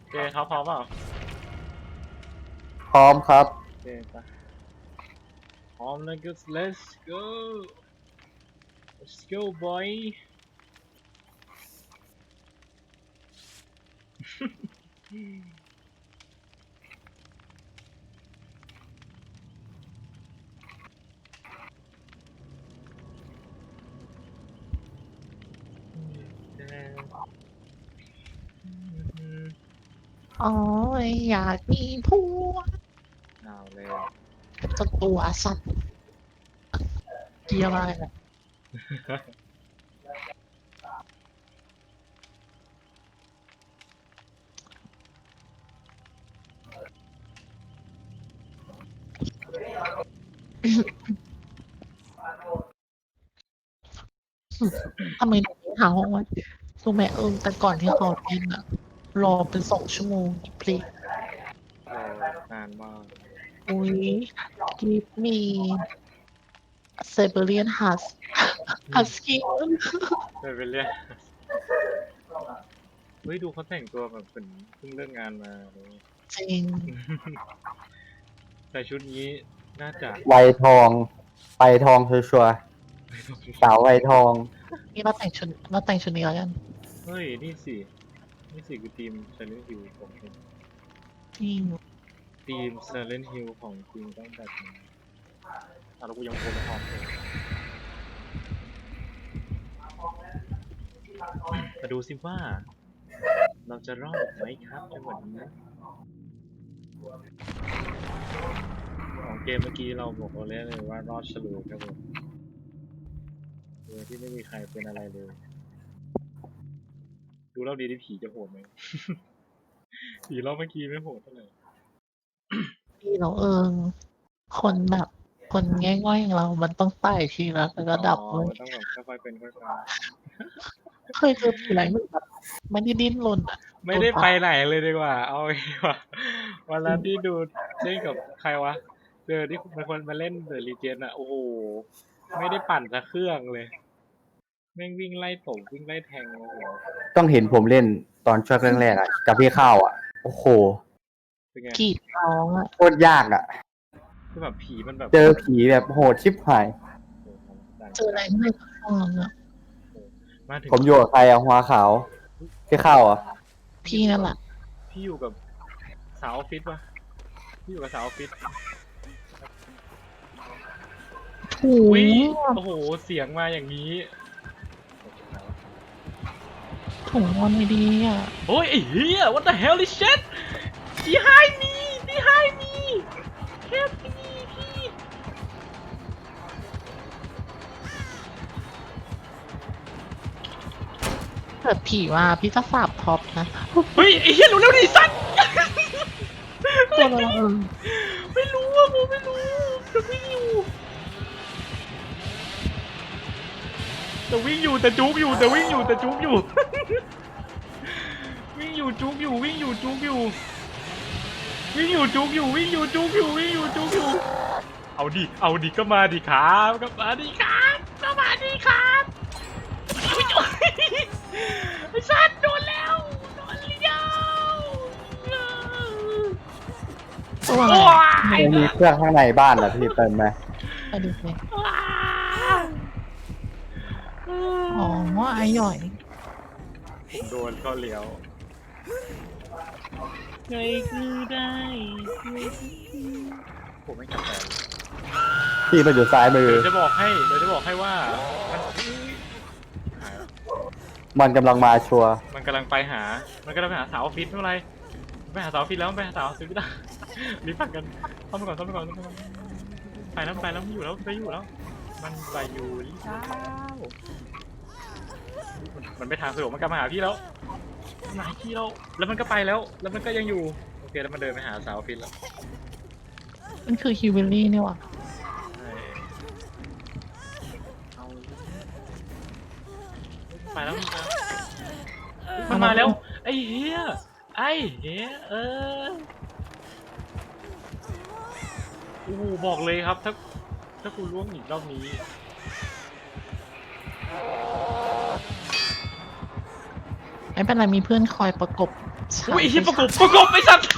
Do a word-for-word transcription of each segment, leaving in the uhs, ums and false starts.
เจเขาพร้อมเปล่าพร้อมครับเจไปพร้อมแล้วก็ let's go let's go boy อ๋ออยากมีผัวเอาเลยตัวตัวสัตว์เกียร์อะไรเนี่ยทำไมถึงไม่หาห้องวะรู้ไหมเออแต่ก่อนที่เขาเล่นอะรอเป็นสองชั่วโมงพลีเออนานมากอุ้ยกิฟมีเซเบเรียนฮัสฮัสกี้ไม่เป็นเรื่องเฮ้ยดูเขาแต่งตัวแบบเหมือนเพิ่งเลิกงานมาเลยจริงใส่ชุดนี้น่าจะไวทองไปทองชัวร์ๆสาวไวทองนี่เราแต่งชุดเราแต่งชุดนี้แล้วกันเฮ้ยนี่สินี่สิคือทีม Silent Hill ของจริงจริงทีม Silent Hill ของจริงต้องแบบนี้อ่ะแล้วกูยังโพลพร้อมเลยมาดูสิว่า เราจะรอดไหมครับจังหวะนี้ของเกมเมื่อกี้เราบอกเราเล่นเลยว่ารอดฉลุยครับผมโดยที่ไม่มีใครเป็นอะไรเลย ดูรอบดีที่ผีจะโหดไหม ผีรอบเมื่อกี้ไม่โหดเท่าไหร่พี่เราเอิงคนแบบคนง่ายๆอย่างเรา มันต้องไต่ทีละระดับอ๋อเลยมันต้องแบบค่อยๆเป็นค่อยๆเคยเจอผีอะไรมันแบบไม่ได้ดิ้นรนอ่ะไม่ได้ไปไหนเลยดีกว่า เอาไงดีกว่าวันนั้นที่ดูเล่นกับใครวะ เจอที่เป็นคนมาเล่นเดอะรีเจนอะโอ้โห ไม่ได้ปั่นสักเครื่องเลย แม่งวิ่งไล่ตบวิ่งไล่แทงโอ้โหต้องเห็นผมเล่นตอนช่วงแรกๆอ่ะกับพี่ข้าวอ่ะ โอ้โหเป็นไงกรีดร้องอ่ะโคตรยากอ่ะคือแบบผีมันแบบเจอผีแบบโหดชิบหายโอ้โหเจออะไรไม่ฟังอ่ะมาถึงผมอยู่กับใครอ่ะหัวขาว พี่ข้าวอ่ะพี่นั่นแหละพี่อยู่กับสาวออฟฟิศวะพี่อยู่กับสาวออฟฟิศถูวิโอ้โห เสียงมาอย่างนี้ถุงมันไม่ดีอ่ะโอ้ยไอ้เหี้ย what the hell is shit behind me behind me help me พี่เกิดผีมาพี่จะสาบท็อปนะเฮ้ยไอ้เหี้ยรู้แล้วดิสัตว์ตัวเราเออไม่รู้อ่ะผมไม่รู้จะวิ่งอยู่แต่วิ่งอยู่แต่จุกอยู่แต่วิ่งอยู่แต่จุกอยู่ วิ่งอยู่จุกอยู่วิ่งอยู่จุกอยู่วิ่งอยู่จุกอยู่วิ่งอยู่จุกอยู่วิ่งอยู่จุกอยู่เอาดิเอาดิก็มาดิครับก็มาดิครับก็มาดิครับไอ้สัตว์โดนแล้วโดนเลี้ยวตัวอะไรว้าไม่ยมีเครื่องข้างในบ้านเหรอพี่เติมไหมไปดูเลยว้าอ๋อไอ้หย่อยโดนก็เลี้ยวไงคือได้ผมไม่กลับไปพี่มาอยู่ซ้ายมือเดี๋ยวจะบอกให้เดี๋ยวจะบอกให้ว่ามันหายแล้วมันกำลังมาชัวร์มันกำลังไปหา มันกำลังไปหาสาวออฟฟิศไม่เป็นไรไปหาสาวออฟฟิศแล้วไปหาสาวออฟฟิศไม่ได้ รีบพักกันเข้าไปก่อนเข้าไปก่อนเข้าไปก่อนไปแล้วไปแล้วมันอยู่แล้วไปอยู่แล้ว มันไปอยู่แล้วมันมันไปทางสะดวกมันกลับมาหาพี่แล้วมาหาพี่แล้วแล้วมันก็ไปแล้ว แล้วมันก็ยังอยู่โอเคแล้วมันเดินไปหาสาวออฟฟิศแล้วมันคือฮิวเวลลี่เนี่ยว่ะใช่เอาไปแล้วมันมามันมาแล้ว ไอ้เหี้ยไอ้เหี้ยเออโอ้โหบอกเลยครับถ้าถ้าคุณล่วงอีกรอบนี้ไม่เป็นไรมีเพื่อนคอยประกบฉายอุ้ยไอ้เหี้ยไฟประกฉาบประกบไอ้สัตว์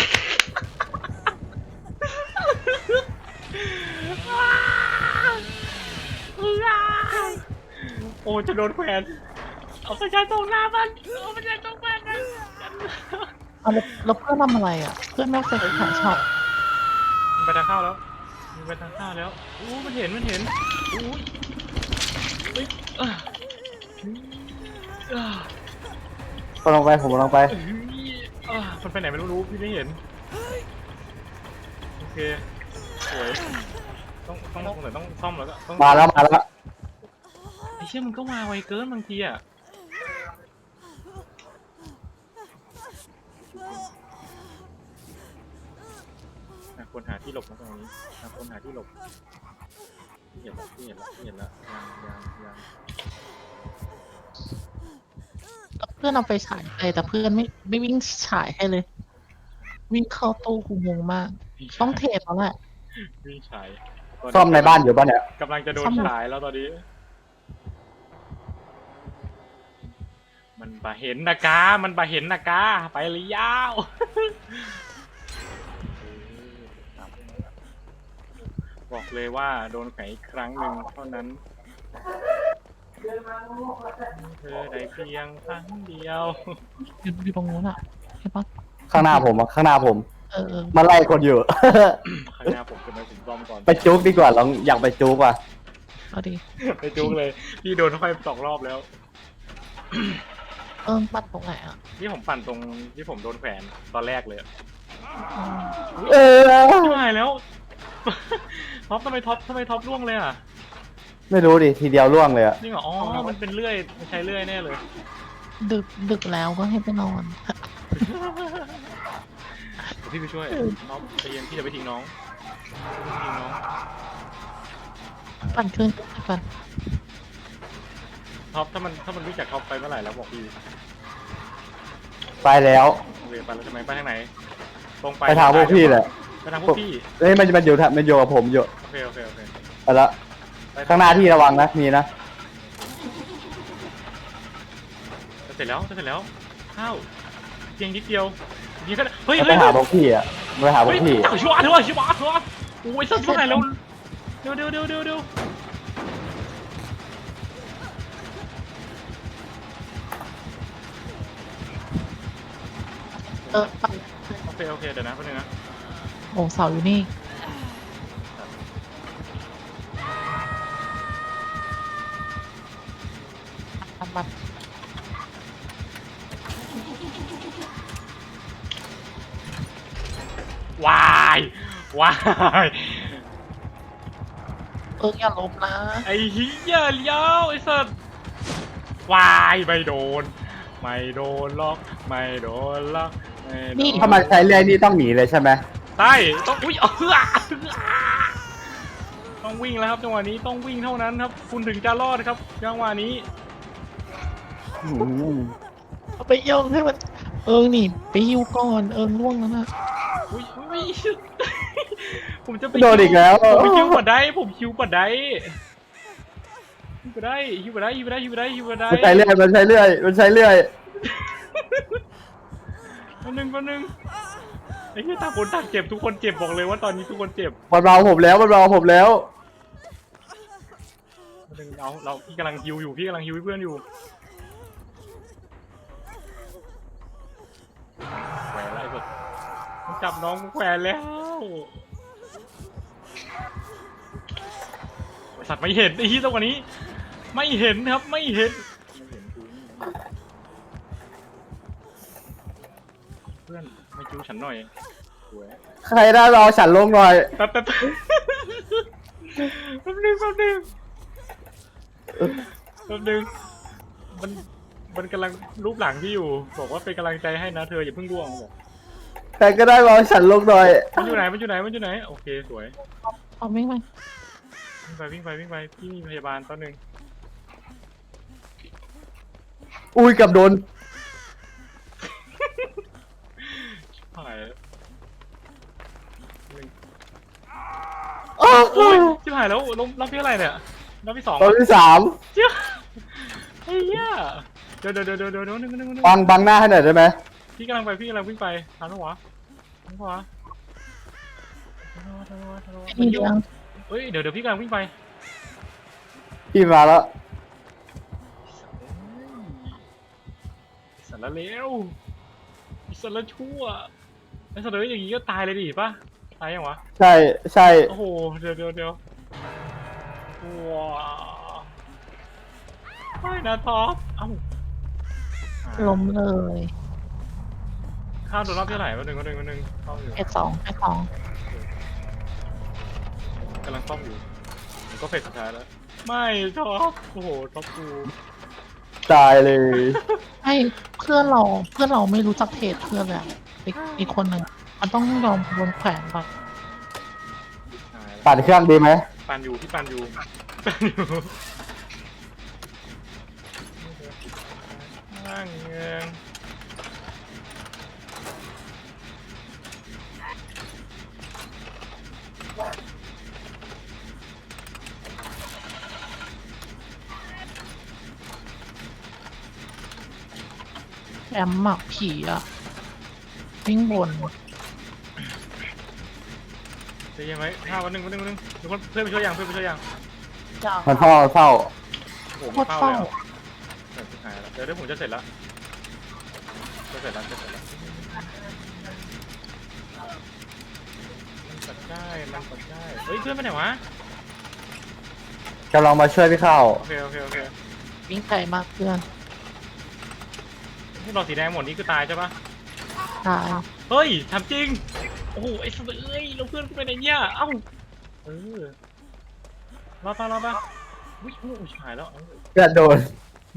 โอ้จะโดนแขวนเอาประชาชนหน้ามันเอาประชาชนหน้ามันเอาแล้วแล้วเพื่อนทำอะไรอ่ะ เพื่อนไม่เคยขายช็อปมันไปทางเข้าแล้วมันไปทางเข้าแล้วอู้มันเห็นมันเห็นอู้ยเฮ้ยอ่ะอ่ะก็ลงไปผมลงไปเอ้ยอ่ะมันไปไหนไม่รู้รู้พี่ไม่เห็นโอเคสวยต้องต้องต้องต้องซ่อมแล้วก็ต้องมาแล้วมาแล้วไอ้เชี่ยมันก็มาไวเกินบางทีอ่ะอ่ะควรหาที่หลบนะตรงนี้อ่ะควรหาที่หลบเห็นแล้วเห็นแล้วเห็นแล้วยังยังยังแล้วเพื่อนเอาไฟฉายไปแต่เพื่อนไม่ไม่วิ่งฉายให้เลย วิ่งเข้าตู้กูงงมาก ต้องเทปแล้วแหละวิ่งฉายซ่อมในบ้านอยู่ป่ะเนี่ยกำลังจะโดนซ่อมฉายแล้วตอนนี้ มันบาเห็นนะกา มันบาเห็นนะกา ไปเลยยาว บอกเลยว่าโดนแขวนอีกครั้งหนึ่งเท่านั้นเธอได้เพียงครั้งเดียวอยู่อยู่ตรงนู้นอ่ะใช่ปะข้างหน้าผมอะข้างหน้าผมเออเออมาไล่คนอยู่ข้างหน้าผมจะมาถึงซ่อมก่อนไปจุกดีกว่าลองอยากไปจุกว่ะเอาดิไปจุกเลย พี่โดนไฟสองรอบแล้วเออปัดตรงไหนอ่ะนี่ผมปั่นตรงที่ผมโดนแขวนตอนแรกเลยอะอืมเออไม่ไหวแล้ว ท็อปทำไมท็อปทำไมท็อปร่วงเลยอ่ะไม่รู้ดิทีเดียวล่วงเลยอะจริงเหรอ อ๋อ มันเป็นเลื่อยมันใช้เลื่อยแน่เลยดึกดึกแล้วก็ให้ไปนอนเดี๋ยวพี่ไปช่วยน้องใจเย็นพี่จะไปทิ้งน้องพี่จะไปทิ้งน้องปั่นขึ้นปั่นท็อปถ้ามันถ้ามันรู้จักท็อปไปเมื่อไหร่แล้วบอกพี่ไปแล้วโอเคไปแล้วทำไมไปทางไหน ตรงไปไปทางพวกพี่แหละไปทางพวกพี่เอ้ยมันมันอยู่ทางมันอยู่กับผมอยู่โอเคโอเคโอเคไปแล้วไปข้างหน้าที่ระวังนะมีนะจะเสร็จแล้วจะเสร็จแล้วข้าวเพียงนิดเดียวยิงก็ได้เฮ้ยไปเฮ้ยหาพวกพี่อะไปหาพวเฮ้กยพี่จับชิวะเถอะชิวะเถอะโอ้ยสัตว์ที่ไหนแล้วเดี๋ยวเดี๋ยวเดี๋ยวเดี๋ยวเดี๋ยวเออปั่นโอเคโอเคเดี๋ยวนะแป๊บนึงนะโอ้เสาอยู่นี่ปั่นปั่นวายวายเอออย่าล้มนะไอ้เหี้ยเลี้ยวไอ้สัสวายไม่โดน ไม่โดนล็อกไม่โดนล็อกไม่โดนถ้ามันใช้เรื่อยนี่ต้องหนีเลยใช่ไหมใช่ต้องอุ้ยเออต้องวิ่งแล้วครับจังหวะนี้ต้องวิ่งเท่านั้นครับ คุณถึงจะรอดครับจังหวะนี้อืมเอาไปโยงให้มัน เอิงนี่ไปฮิวก่อนเอิงล่วงแล้วนะอุ้ยอุ้ยผมจะไปโดนอีกแล้วผมไปคิวบัดได้ผมคิวบัดได้คิวบัดได้คิวบัดได้คิวบัดได้คิวบัดได้คิวบัดได้มันใช้เรื่อยมันใช้เรื่อยมันใช้เรื่อยคนหนึ่งคนหนึ่งไอ้ที่ต่างคนต่างเจ็บทุกคนเจ็บบอกเลยว่าตอนนี้ทุกคนเจ็บมันเบาผมแล้วมันเบาผมแล้วคนหนึ่งเอาเราพี่กำลังฮิวอยู่พี่กำลังฮิวให้เพื่อนอยู่แขวนแล้วไอ้สัสมันจับน้องกูแขวนแล้วไอ้สัตว์ไม่เห็นไอ้ที่ตรงนี้ ไม่เห็นครับไม่เห็นไม่เห็นกูเพื่อนไม่คิวฉันหน่อยสวยใครได้รอฉันลงหน่อยแป๊บแป๊บแป๊บแป๊บนึงแป๊บนึงแป๊บนึงมันมันกำลังรูปหลังที่อยู่บอกว่าเป็นกำลังใจให้นะเธออย่าเพิ่งร่วงบอกใครก็ได้รอฉันลงหน่อยมันอยู่ไหนมันอยู่ไหนมันอยู่ไหนโอเคสวยเอาไม่ไหมวิ่งไปวิ่งไปวิ่งไปพี่มีพยาบาลตอนหนึ่งอุ้ยเกับโดนหายแล้วหนึ่งโอ้โอ้ยชิบหายแล้วรอบรอบที่เท่าไหร่เนี่ยรอบที่สองตอนที่สามเจ้าไอ้เหี้ยเดี๋ยวเดี๋ยวเดี๋ยวเดี๋ยวเดี๋ยวนึงนึงนึงบังบังหน้าให้หน่อยได้ไหมพี่กำลังไปพี่กำลังวิ่งไปทันปะวะทันปะวะทันปะวะทันปะวะทันปะวะมีเรื่องเฮ้ยเดี๋ยวเดี๋ยวพี่กำลังวิ่งไปพี่มาแล้วสารเลวสารชั่วไอ้สารเลวอย่างงี้ก็ตายเลยดิป่ะตายยังวะใช่ใช่โอ้โหเดี๋ยวเดี๋ยวเดี๋ยวว้าวไม่นะท็อปเอ้าล้มเลยข้าวโดนรอบที่ไหนวันหนึ่งวันหนึ่งวันหนึ่งเข้าอยู่เฟสสองเฟสสองกำลังซ่อมอยู่มันก็เฟสสุดท้ายแล้วไม่ท็อปโอ้โหท็อปกูตายเลยให้เพื่อนเราเพื่อนเราไม่รู้จักเพจเพื่อนเลยอะอีกอีกคนหนึ่งมันต้องยอมโดนแขวนก่อนตายแล้วปั่นเครื่องดีไหมปันอยู่พี่ปันอยู่ปันอยู่นั่งเงงแอมหมักผีอะวิ่งบนจะยังไงห้าวันหนึ่งวันหนึ่งวันหนึ่งทุกคนเพื่อนไปช่วยยังเพื่อนไปช่วยยังมันเฝ้าเฝ้าโอ้โหโคไม่ตรเข้าเฝ้าเลยอ่ะเดี๋ยวสุดท้ายแล้วเดี๋ยวเดี๋ยวผมจะเสร็จแล้วจะเสร็จแล้วจะเสร็จแล้วมันปัดได้มันปัดได้เฮ้ยเพื่อนไปไหนวะกำลังมาช่วยพี่เข้าโอเคโอเคโอเควิ่งไกลมากเพื่อนที่เราสีแดงหมดนี่คือตายใช่ปะตายเฮ้ยทำจริงโอ้โหไอ้สัตว์เอ้ยเราเพื่อนกูไปไหนเนี่ยเอ้าเออรอดปะรอดปะวิ่งโอ้ยหายแล้วเพื่อนโดน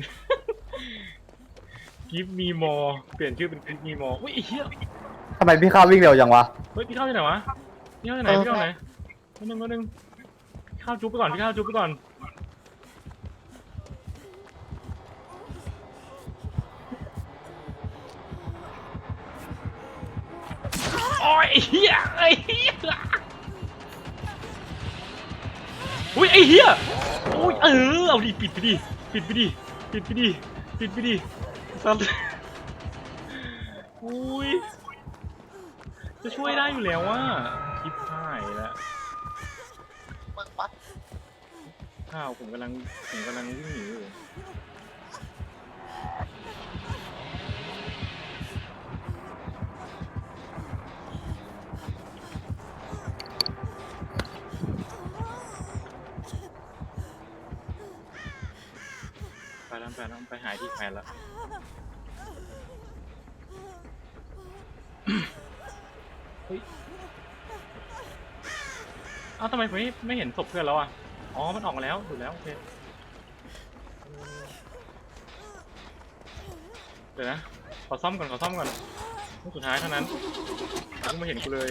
กิฟมีมอเปลี่ยนชื่อเป็นกิฟมีมออุ้ยไอ้เหี้ยทำไมพี่เข้าวิ่งเร็วจังวะเฮ้ยพี่เข้าที่ไหนวะพี่เข้าที่ไหนพี่เข้าไหนนิดนึงนิดนึงพี่เข้าจุ๊บไปก่อนพี่เข้าจุ๊บไปก่อนโอ้ยไอ้เหี้ยไอ้เหี้ยอุ้ยไอ้เหี้ยอุ้ยเออเอาดิปิดไปดิปิดไปดิปิดไปดิปิดไปดิสัตว์อุ้ยจะช่วยได้อยู่แล้วว่าคิดพ่ายแล้วมึงวัดข้าวผมกำลังผมกำลังวิ่งหนีอยู่ไปแล้วไปแล้วไปหายที่แฟนแล้วเฮ้ยเอ้าทำไมผมไม่ไม่เห็นศพเพื่อนแล้วอ่ะอ๋อมันออกมาแล้วถูกแล้วโอเคเดี๋ยวนะขอซ่อมก่อนขอซ่อมก่อนลูกสุดท้ายเท่านั้นเพิ่งมาเห็นกูเลย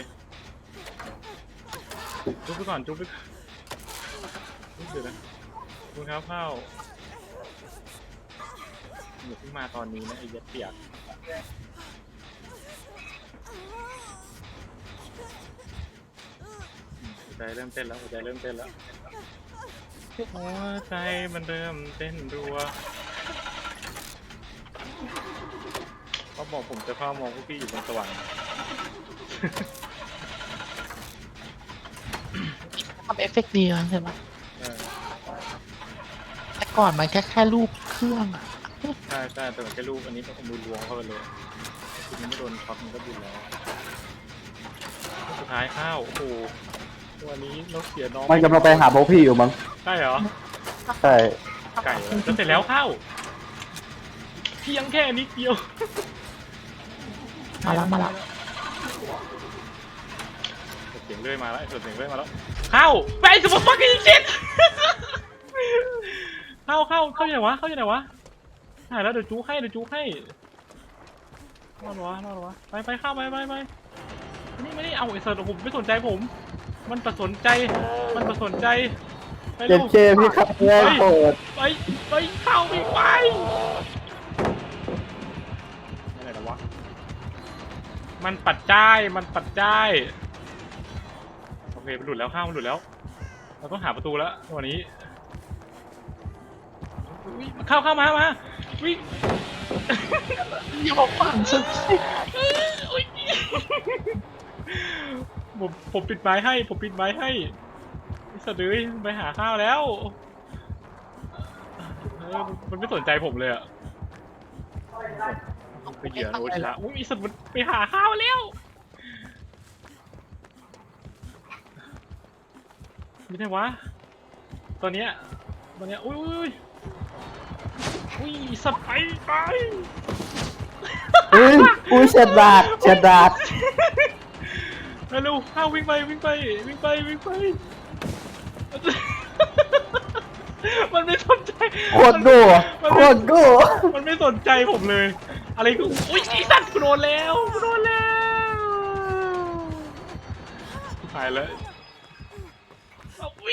จุ๊บไปก่อนจุ๊บไปก่อนจุ๊บเดี๋ยวนะคุณครับข้าวอย่าเพิ่งมาตอนนี้นะไอ้เย็ดเปียกหัวใจเริ่มเต้นแล้วหัวใจเริ่มเต้นแล้วหัวใจมันเริ่มเต้นรัวเขาบอกผมจะเข้ามองพวกพี่อยู่บนสวรรค์ทำเอฟเฟกต์ดีนะใช่ไหมเออแต่ก่อนมันแค่แค่รูปเครื่องอะใช่ใช่แต่มันแค่ลูกอันนี้ก็เอามือล้วงเข้าไปเลยทีนี้ไม่โดนช็อตมันก็บุญแล้วสุดท้ายข้าวโอ้โหวันนี้เราเสียน้องมันกำลังไปหาพวกพี่อยู่มั้งใช่เหรอใช่ไก่แล้วจะเสร็จแล้วข้าวเพียงแค่นิดเดียวมาแล้วมาแล้วเสียงเลื่อยมาแล้วเสียงเลื่อยมาแล้วข้าวไปสมบัติฟักกิ้งชิตเข้าเข้าเข้าอยู่ไหนวะเข้าอยู่ไหนวะหายแล้วเดี๋ยวจูให้เดี๋ยวจูให้รอดวะรอดวะไปไปเข้าไปไปไปนี่ไม่ได้เอาไอ้เสิร์ตผมไม่สนใจผม มันประสนใจมันประสนใจไปเจ็ลูบกเจพี่เข้าเล่นโกรธไปไปเข้าไปไปอะไรนะวะมันปัดจ้ายมันปัดจ้ายโอเคมันหลุดแล้วข้าวมันหลุดแล้วเราต้องหาประตูแล้ววันนี้อุ๊ยเข้าเข้ามามาวิ่งอย่ามาฝังฉันสิผมผมปิดไม้ให้ผมปิดไม้ให้ไอ้สัตว์เอ้ยไปหาข้าวแล้วเออมันไม่สนใจผมเลยอะไปเหยื่อโอชาอุ้ยไอ้สัตว์มันไปหาข้าวแล้วไม่ได้วะตอนเนี้ยตอนเนี้ยอุ้ยอุ้ยอุ้ยไอ้สัตว์ไปไปอุ้ยอุ้ยเฉดดากเฉดดากเร็วๆข้าววิ่งไปวิ่งไปวิ่งไปวิ่งไป มันไม่สนใจโคตรโง่โคตรโง่มันไม่สนใจผมเลย อะไรก็อุ้ยไอ้สัตว์กูโดนแล้วกูโดนแล้วตายแล้วอุ้ย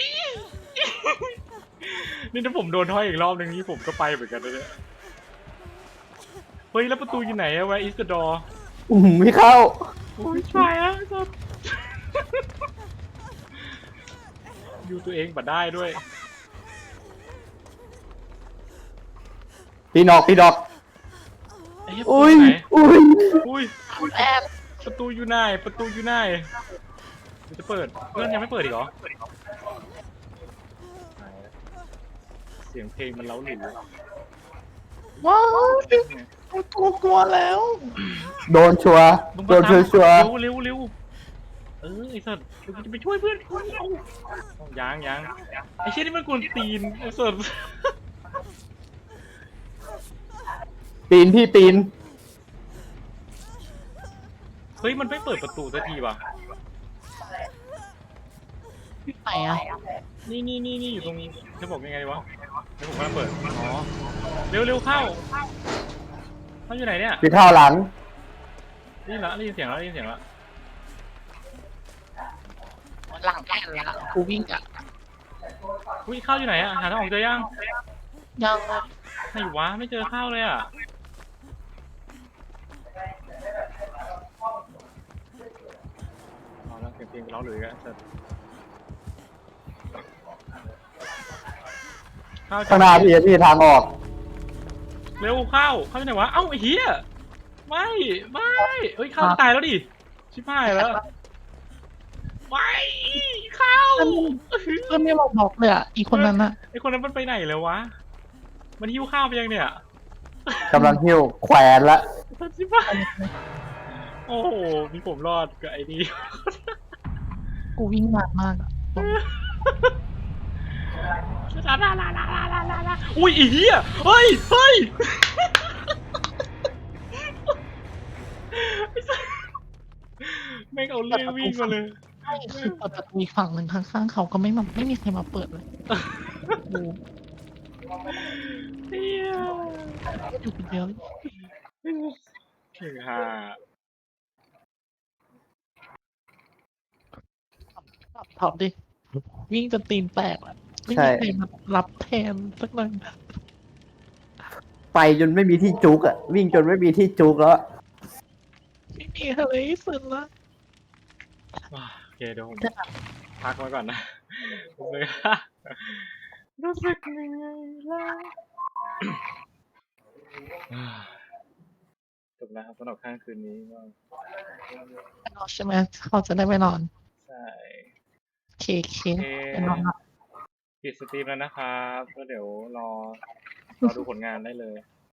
นี่ถ้าผมโดนท้อยอีกรอบหนึ่งนี่ผมก็ไปเหมือนกันนะเนี่ยเฮ้ยแล้วประตูอยู่ไหนอะ Where is the door อืมไม่เข้าโอ้ยตายแล้วสัตว์ อยู่ตัวเองบัดได้ด้วยพี่นอกพี่นอกไอ้เหี้ยอุ้ยประตูไหนอุ้ยอุ้ยแอบประตูอยู่ไหนประตูอยู่ไหนเดี๋ยวจะเปิดเพื่อนยังไม่เปิดอีกเหรอเสียงเพลงมันเล้าหลิวว้าวกลัวกลัวแล้วโดนชัวร์โดนชัวร์ชัวร์เร็วเร็วเร็วเออไอ้สัตว์เราจะไปช่วยเพื่อนเอายังยังไอ้เชี่ยนี่มันกวนตีนไอ้สัตว์ปีนพี่ปีนเฮ้ยมันไม่เปิดประตูสักทีว่ะที่ไหนอ่ะนี่นี่นี่นี่อยู่ตรงนี้จะบอกยังไงวะเดี๋ยวผมกำลังเปิดอ๋อเร็วเร็วเข้าเขาอยู่ไหนเนี่ยพี่เข้าหลังได้ยินละได้ยินเสียงแล้วได้ยินเสียงแล้วหลังแอนละกูวิ่งอ่ะอุ้ยข้าวอยู่ไหนอะหาทางออกเจอยังยังเลยไหนวะไม่เจอข้าวเลยอะเอาแล้วเสียงเพลงไปร้องหรือกันเสร็จข้าวข้างหน้าพี่พี่ทางออกเร็วข้าวข้าวอยู่ไหนวะเอ้าไอ้เหี้ยไม่ไม่เฮ้ยข้าวตายแล้วดิชิบหายแล้วไม่ข้าวเพื่อนไม่บอกบอกเลยอ่ะ อีกคนนั้นอ่ะไอคนนั้นมันไปไหนแล้ววะมันหิ้วข้าวไปยังเนี่ยกำลังหิ้วแขวนละชิบหายโอ้โหมีผมรอดกับไอ้นี่กูวิ่งนานมากอะลาลาลาลาลาลาลาลาอุ้ยไอ้เหี้ยเฮ้ยเฮ้ยแม่งเอาเรื่องวิ่งมาเลยไม่คือเปิดประตูอีกฝั่งหนึ่งข้างๆเขาก็ไม่มาไม่มีใครมาเปิดเลยกูเฮียอยู่คนเดียวเก่งฮ่าถอดดิ วิ่งจนตีนแตกอะไม่มีใครมารับแทนสักหน่อยไปจนไม่มีที่จุกอ่ะ วิ่งจนไม่มีที่จุกแล้วไม่มีอะไรสุดละว้าโอเคเดี๋ยวผมพักไว้ก่อนนะรู้สึกรู้สึกยังไงล่ะจบแล้วครับสำหรับข้างคืนนี้ก็นอนใช่ไหมเขาจะได้ไปนอนใช่เคเคโอเคไปนอนละปิดสตรีมแล้วนะครับก็เดี๋ยวรอรอดูผลงานได้เลย